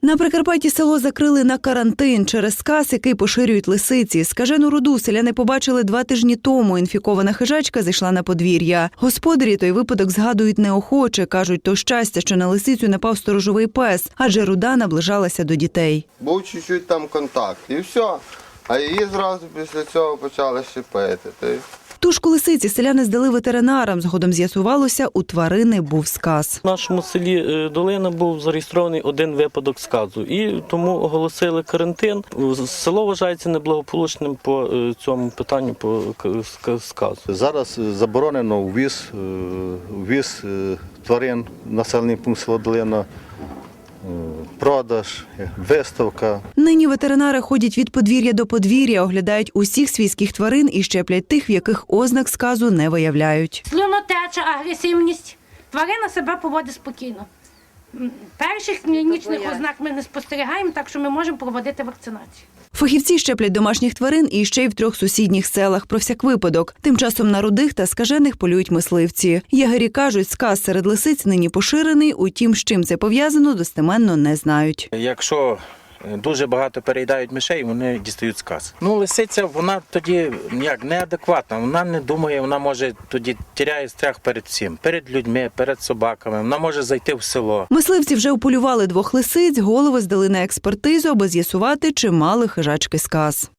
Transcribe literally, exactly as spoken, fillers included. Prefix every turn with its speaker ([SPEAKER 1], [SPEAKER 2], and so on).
[SPEAKER 1] На Прикарпатті село закрили на карантин через сказ, який поширюють лисиці. Скажену руду селяни побачили два тижні тому. Інфікована хижачка зайшла на подвір'я. Господарі той випадок згадують неохоче. Кажуть, то щастя, що на лисицю напав сторожовий пес, адже руда наближалася до дітей.
[SPEAKER 2] Був чуть-чуть там контакт і все. А її зразу після цього почали щепити.
[SPEAKER 1] Тушку лисиці селяни здали ветеринарам. Згодом з'ясувалося, у тварини був сказ.
[SPEAKER 3] В нашому селі Долина був зареєстрований один випадок сказу. І тому оголосили карантин. Село вважається неблагополучним по цьому питанню, по сказу.
[SPEAKER 4] Зараз заборонено ввіз, ввіз тварин в населений пункт села Долина, продаж, виставка.
[SPEAKER 1] Нині ветеринари ходять від подвір'я до подвір'я, оглядають усіх свійських тварин і щеплять тих, в яких ознак сказу не виявляють.
[SPEAKER 5] Слюнотеча, агресивність. Тварина себе поводить спокійно. Перших клінічних ознак ми не спостерігаємо, так що ми можемо проводити вакцинацію.
[SPEAKER 1] Фахівці щеплять домашніх тварин і ще й в трьох сусідніх селах про всяк випадок. Тим часом на рудих та скажених полюють мисливці. Ягері кажуть, сказ серед лисиць нині поширений, утім, з чим це пов'язано, достеменно не знають.
[SPEAKER 6] Якщо дуже багато переїдають мишей, вони дістають сказ. Ну, лисиця, вона тоді як неадекватна, вона не думає, вона може тоді тіряє страх перед всім, перед людьми, перед собаками, вона може зайти в село.
[SPEAKER 1] Мисливці вже уполювали двох лисиць, голови здали на експертизу, аби з'ясувати, чи мали хижачки сказ.